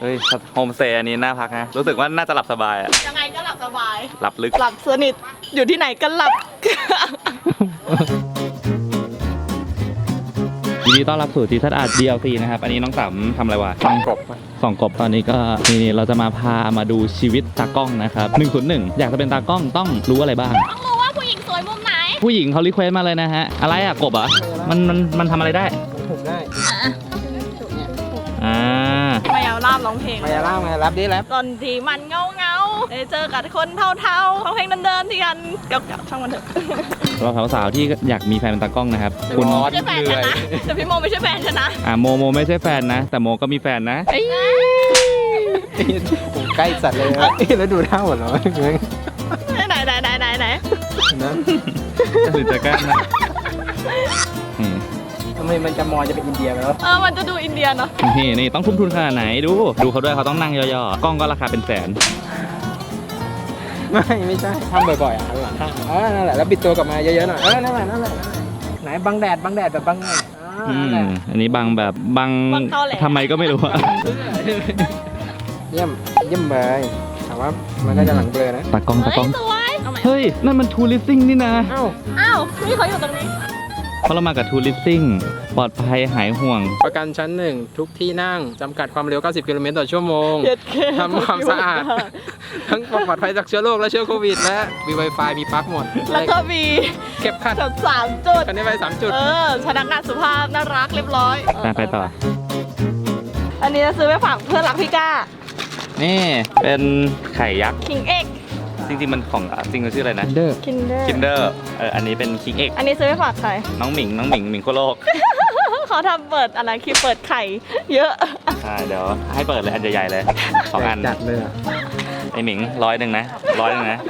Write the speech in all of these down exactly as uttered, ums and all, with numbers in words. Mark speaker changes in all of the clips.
Speaker 1: เฮ้ยโฮมสเตย์อันนี้น่าพักนะรู้สึกว่าน่าจะหลับสบายอะ
Speaker 2: ยังไงก็หลับสบาย
Speaker 1: หลับลึก
Speaker 2: หลับสนิทอยู่ที่ไหนก็หลับ
Speaker 1: ยินดีต้อนรับสู่ทีซัดอาร์ ดี แอล ซี นะครับอันนี้น้องสามทำอะไรวะ
Speaker 3: ส่องกบ
Speaker 1: ส่องกบตอนนี้ก็นี่เราจะมาพามาดูชีวิตตากล้องนะครับหนึ่งศูนย์หนึ่งอยากจะเป็นตากล้องต้องรู้อะไรบ้าง
Speaker 2: ต้องรู้ว่าผู้หญิงสวยมุมไหน
Speaker 1: ผู้หญิงเขารีเควสมาเลยนะฮะอะไรอะกบอ่ะมันมันมันทำอะไรได้
Speaker 3: ถูกได้
Speaker 1: อ่าม
Speaker 2: ายาลาบร้องเพลง
Speaker 3: มายาล่ามารับดิแรป
Speaker 2: ตอนที่มันเงาเงาได้เจอกับคนเท่าๆร้องเพลงเดินๆที่กันเก่าๆช่างมันเถอะ
Speaker 1: เราสาวๆที่อยากมีแฟนเป็นตากล้องนะครับ
Speaker 2: คุณไม่ใช่แฟนฉันนะแต่พี่โมไม่ใช่แฟนฉันนะ
Speaker 1: อ่าโมโมไม่ใช่แฟนนะแต่โมก็มีแฟนนะ
Speaker 3: ใกล้สัตว์เลยแล้วดูท่าหมดเลย
Speaker 2: ไหนไหนไหนไหนไหน
Speaker 3: นะ
Speaker 1: หรือจะแกล้งนะ
Speaker 3: ทำไมมันจะมอจะเป็นอินเดียไปแล้ว
Speaker 2: เออมันจะดูอินเดียเนาะ
Speaker 1: นี่นี่ต้องทุ่มทุนขนาดไหนดูดูเขาด้วยเขาต้องนั่งย่อๆกล้องก็ราคาเป็นแสน
Speaker 3: ไม่ไม่ใช่ทำบ่อยๆอ่ะหลังข้างเออนั่นแหละแล้วปิดตัวกลับมาเยอะๆหน่อยเออนั่นแหละนั่นแหละไหนบังแดดบังแดดแบบบังแดด
Speaker 1: อืมอันนี้บังแบบบังทำไมก็ไม่รู้อะ
Speaker 3: เยี่ยมเยี่ยมเลยแต่ว่ามันก็จะหลังเบลอนะ
Speaker 1: ตากล้องตากล้องเฮ้ยนั่นมันทูริสซิ่งนี่นะ
Speaker 3: อ้าว
Speaker 2: อ้าวนี่เขาอยู่ตรงนี้
Speaker 1: เพราะเรามากับทูริสซิ่งปลอดภัยหายห่วง
Speaker 3: ประกันชั้นหนึ่งทุกที่นั่งจำกัดความเร็วเก้าสิบกิโลเมตรต่อชั่วโมงทำความสะอาดทั้งปลอดภัยจากเชื้อโรคและเชื้อโควิดและมี Wi-Fi มีปลั๊กหมด
Speaker 2: แล้วก็มี
Speaker 3: เก็บคัด
Speaker 2: สามจุด
Speaker 3: คันนี้ไปสามจุด
Speaker 2: เออพนักงานสุภาพน่ารักเรียบร้อย
Speaker 1: ไปต่อ
Speaker 2: อันนี้จะซื้อไปฝากเพื่อนรักพี่ก้า
Speaker 1: นี่เป็นไข่ยักษ์
Speaker 2: คิงเอ็ก
Speaker 1: จริงๆมันของจริงมันชื่ออะไรนะ
Speaker 3: Kinder
Speaker 2: Kinder
Speaker 1: Kinder เอออันนี้เป็นคิงเอ็ก
Speaker 2: อันนี้ซื้อไปฝากใคร
Speaker 1: น้องหมิงน้องหมิงหมิงโคโลก
Speaker 2: เขาทำเปิดอะไรคือเปิดไข่เยอะ
Speaker 1: ใช่เดี๋ยวให้เปิดเลยอันใหญ่ๆเลยสองอัน
Speaker 3: จัดเลย
Speaker 1: ไอหมิงร้อยหนึ่งนะร้อยหนึ่งนะ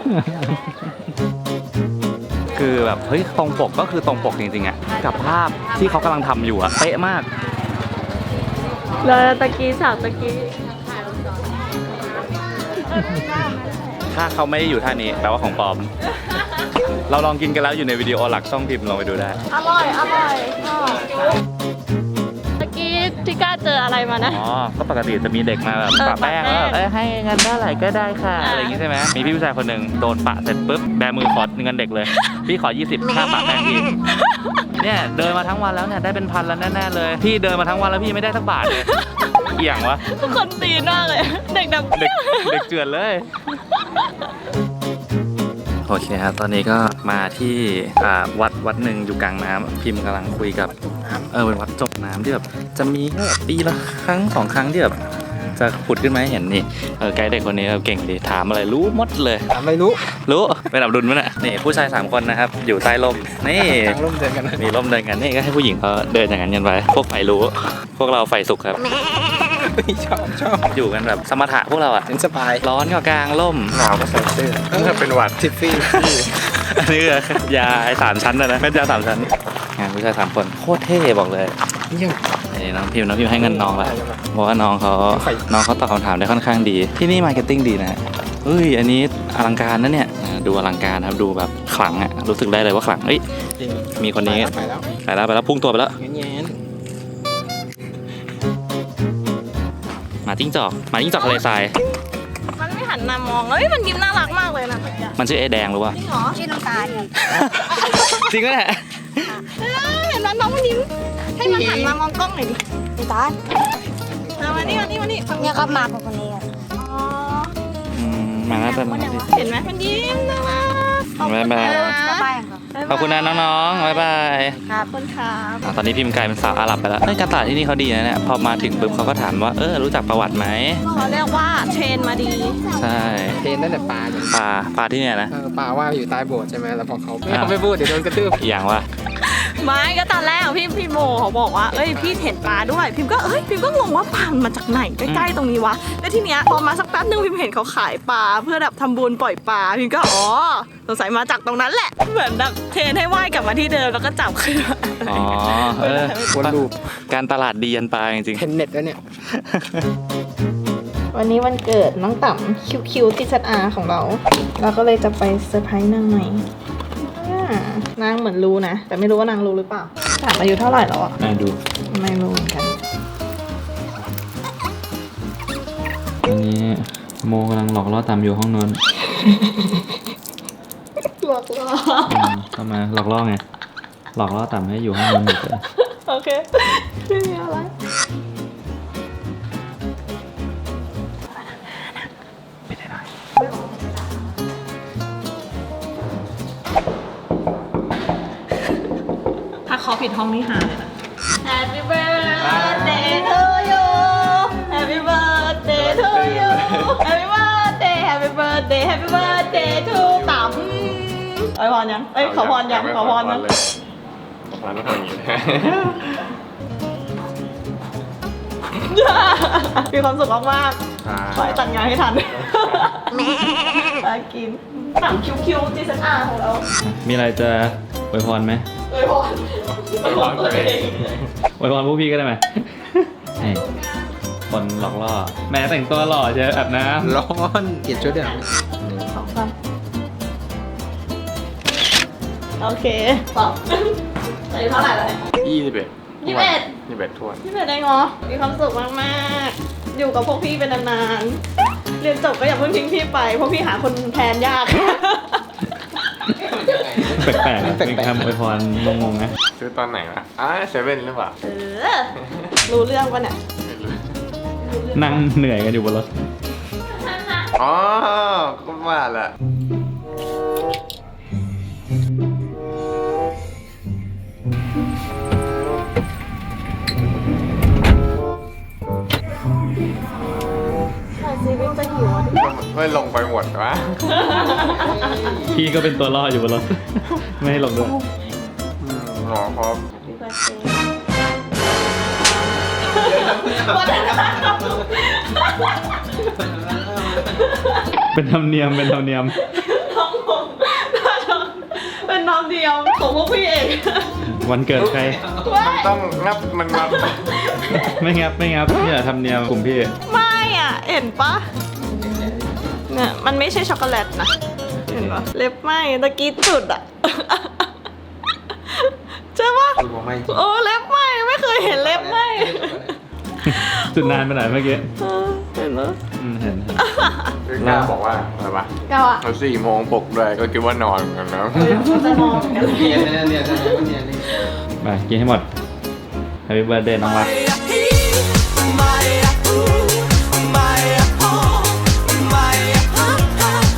Speaker 1: คือแบบเฮ้ยตรงปกก็คือตรงปกจริงๆอ่ะกับภาพที่เขากำลังทำอยู่อ่ะเป๊ะมาก
Speaker 2: แล้วตะกี้สาวตะกี้
Speaker 1: ถ้าเขาไม่ได้อยู่ท่านี้แปลว่าของปลอมเราลองกินกันแล้วอยู่ในวิดีโอหลักช่องพิมพ์ลองไปดูได้
Speaker 2: อร่อยอร่อยตะกี้ที่กล้าเจออะไรมานะ
Speaker 1: อ๋อก็ปกติจะมีเด็กมาแบบปะแป้งแล้วเอ้ยให้เงินได้ไหร่ก็ได้ค่ะอะไรอย่างงี้ใช่ไหมมีพี่ผู้ชายคนหนึ่งโดนปะเสร็จปุ๊บแบมือขอเงินเด็กเลยพี่ขอยี่สิบค่าปะแป้งพี่เนี่ยเดินมาทั้งวันแล้วเนี่ยได้เป็นพันแล้วแน่ๆเลยพี่เดินมาทั้งวันแล้วพี่ไม่ได้สักบาทเลยเกี่ยงวะ
Speaker 2: ทุกคนตีหน้าเลยเด็กแบบ
Speaker 1: เด็กเด็กเจือนเลยโอเคครับตอนนี้ก็มาที่วัดวัดหนึ่งอยู่กลางน้ำพิมพ์กำลังคุยกับเออเป็นวัดจมน้ำที่แบบจะมีแค่ปีละครั้งสองครั้งที่แบบจะผุดขึ้นมาให้เห็นนี่เออไกด์เด็กคนนี้เก่งดีถามอะไรรู้หมดเลย
Speaker 3: ถามไม่รู้
Speaker 1: รู้เป็นอับดุลมั้ยน่ะนี่ผู้ชายสามคนนะครับอยู่ใต้ร่มนี่
Speaker 3: ร่มเดินกัน
Speaker 1: มีร่มเดินกันนี่ก็ให้ผู้หญิงเขาเดินอย่างนั้นกันไปพวกไฟรู้พวกเราไฟสุกครับ
Speaker 3: ชอบชอบ
Speaker 1: อยู่กันแบบสมถะพวกเราอ่ะ
Speaker 3: เป็นสบาย
Speaker 1: ร้อนก็กลางร่ม
Speaker 3: หนาวก็ใส่เสื้อถ้าเป็นหวัดทิฟฟี่
Speaker 1: อันนี้คือยาไอ้สามชั้นนะนะไม่ใช่ยาสามชั้นงานผู้ชายสามคนโคตรเท่บอกเลยนี่น้องพิมพ์น้องพิมพ์ให้เงินน้องละเพราะว่าน้องเขาน้องเขาตอบคำถามได้ค่อนข้างดีที่นี่มาร์เก็ตติ้งดีนะเฮ้ยอันนี้อลังการนะเนี่ยดูอลังการครับดูแบบขลังอ่ะรู้สึกได้เลยว่าขลังเอ้ยมีคนนี้
Speaker 3: ไปแล้ว
Speaker 1: ไปแล้วไปแล้วพุ่งตัวไปแล้วมาจิ้งจอกมาจิ้งจอกทะเลทราย
Speaker 2: มันไม่หันมามองเฮ้ยมันยิ้มน่ารักมากเลยนะ
Speaker 1: มันชื่อไอ้แดงหรือวะ
Speaker 2: จริงเหรอชื่อน้ำตาล
Speaker 1: จริงไหมเนี่ย
Speaker 2: เห็นไหมน้องมันยิ้มให้มันหันมามองกล้องหน่อยดิน้ำตาลมานี่มานี่มานี่
Speaker 4: เนี่ยก็มาคนนี้
Speaker 2: อ๋อ
Speaker 1: มาแล้วแต่
Speaker 2: เห็นไหมมันยิ้มน่ารัก
Speaker 1: บ๊ายบายขอบคุณนะน้องๆบ๊ายบาย
Speaker 2: ครับคุณครับ
Speaker 1: ตอนนี้พิมพ์กลายเป็นสาวอาหรับไปแล้วเฮ้ยการตลาดที่นี่เขาดีนะเนี่ยพอมาถึงปุ๊บเขาก็ถามว่าเออรู้จักประวัติไหม
Speaker 2: เขาเรียกว่าเทรนมาดี
Speaker 1: ใช่
Speaker 3: เทรนนั่นแหละปลา
Speaker 1: ปลาปลาที่เนี่ยนะ
Speaker 3: ปลาว่าอยู่ใต้โบสถ์ใช่ไหมแล้วพอเขาเขาไม่พูดเดี๋ยวโดนกระทืบ
Speaker 1: อย่างว่า
Speaker 2: ไม่ก็ตอนแรกพี่พี่โมเขาบอกว่าเอ้ยพี่เห็นปลาด้วยพิมก็เอ้ยพิมก็งงว่าปลามาจากไหนใกล้ๆตรงนี้วะแล้วทีเนี้ยพอมาสักแป๊บนึงพิมเห็นเขาขายปลาเพื่อแบบทำบุญปล่อยปลาพิมก็อ๋อสงสัยมาจากตรงนั้นแหละเหมือนแบบเทรนให้ว่ายกลับมาที่เดิมแล้วก็จับขึ้น
Speaker 1: อ๋อเออวนลูปการตลาดดียันปลาจริง
Speaker 3: ๆเห็นเน็ตแล้วเนี่ย
Speaker 2: วันนี้วันเกิดน้องต่ำคิวคิวที่ชัดอาของเราเราก็เลยจะไปเซอร์ไพรส์นางใหม่นางเหมือนรู้นะแต่ไม่รู้ว่านางรู้หรือเปล่าถามอายุเท่าไหร่แล้วอ่ะ
Speaker 1: ไม่ดู
Speaker 2: ไม่รู้เหมือนกัน
Speaker 1: โมกำลังหลอกล่อตามอยู่ห้องนอน
Speaker 2: หลอกล่อ
Speaker 1: อืมเข้ามาหลอกล่อไง หลอกล่อตามให้อยู่ห้องนอนอยู่เฉย
Speaker 2: โอเคไม่มีอะไรถ้าเขาผิดห้องนี่หาเลยนะ Happy birthday to you Happy birthday to you Happy birthday Happy birthday Happy birthday to ต๋ำไอ้พรยัง เอ้ยขอพรยังขอพรยัง
Speaker 4: ขอพรต้องทำอย่างนี้
Speaker 2: มีความสุขมากๆขอให้ตัดงานให้ทันมากินหนังคิวๆ จี เอส อาร์ ของเรา
Speaker 1: มีอะไรจะอวยพรไหม
Speaker 2: อวยพรอวยพรตัวเอง
Speaker 1: อวยพรพวกพี่ก็ได้ไหม ให้คนหลอกล่อ แม่แต่งตัวหล่อเจออาบน้
Speaker 3: ร้อนเกลียดชุดเดียว
Speaker 2: สองสามโอเคตอบอายุเท่าไหร่แล้วเนี่ย
Speaker 4: ยี่สิบเอ็ด
Speaker 2: ยี่สิบเอ็ด
Speaker 4: ยี่สิบเอ็ดทวน
Speaker 2: ยี่สิบเอ็ดได้งอมีความสุขมากๆ อยู่กับพวกพี่เป็นนานๆ เรียนจบก็อย่าเพิ่งทิ้งพี่ไป เพราะพี่หาคนแทนยาก
Speaker 1: ำแปลกๆอะเป็นคำอวยพรงงๆนะ
Speaker 4: ซื้อตอนไหนวะอ่าเซเว่นหรือเปล่า
Speaker 2: เออ รู้เรื่องปะเนี่ย
Speaker 4: ไม่รู้
Speaker 1: นั่งเหนื่อยกันอยู่บนรถ
Speaker 4: อ๋อก็ว่าแหละ
Speaker 2: ใช่ซีวิ่งจะหิวอ่ะดิ
Speaker 4: ไม่ลงไปหมดวะ
Speaker 1: พี่ก็เป็นตัวล่ออยู่บนรถ ไม่ให้ลงด้วย
Speaker 4: อืมหรอครับ
Speaker 2: พี่เบิร์ดเดย์วันนั้น
Speaker 1: เป็นธรรมเนียม เป็นธรรมเนียม
Speaker 2: น้องผมเป็นน้องเดียวของพวกพี่เอง
Speaker 1: วันเกิดใคร
Speaker 4: มันต้องงับมันงับ
Speaker 1: ไม่งับไม่งับนี่แหละธรรมเนียมกลุ่มพี่
Speaker 2: ไม่อ่ะ เห็นปะเนี่ยมันไม่ใช่ช็อกโกแลตนะ เห็นปะเล็บไหมตะกี้จุดอ่ะ ใช่ปะ
Speaker 3: ดูว่าไม่จริง
Speaker 2: โอ้เล็บไหมไม่เคยเห็นเล็บไหม
Speaker 1: จุดนานไปหน่อยเมื่อกี้
Speaker 2: เออเห็นปะ
Speaker 1: อืมเห็นเห็น
Speaker 4: คือกล้าบอกว่าอะไรวะ
Speaker 2: เก้าอ่ะ
Speaker 4: เราสี่โมงปลุกด้วยก็คิดว่านอนเหมือนกันนะ
Speaker 2: เฮ้ยมันจะนอนเหมือนกัน
Speaker 3: เนียนเนียนเนียนเนียนเนียน
Speaker 1: ไปกินให้หมด Happy birthday น้องรัก
Speaker 2: ไม่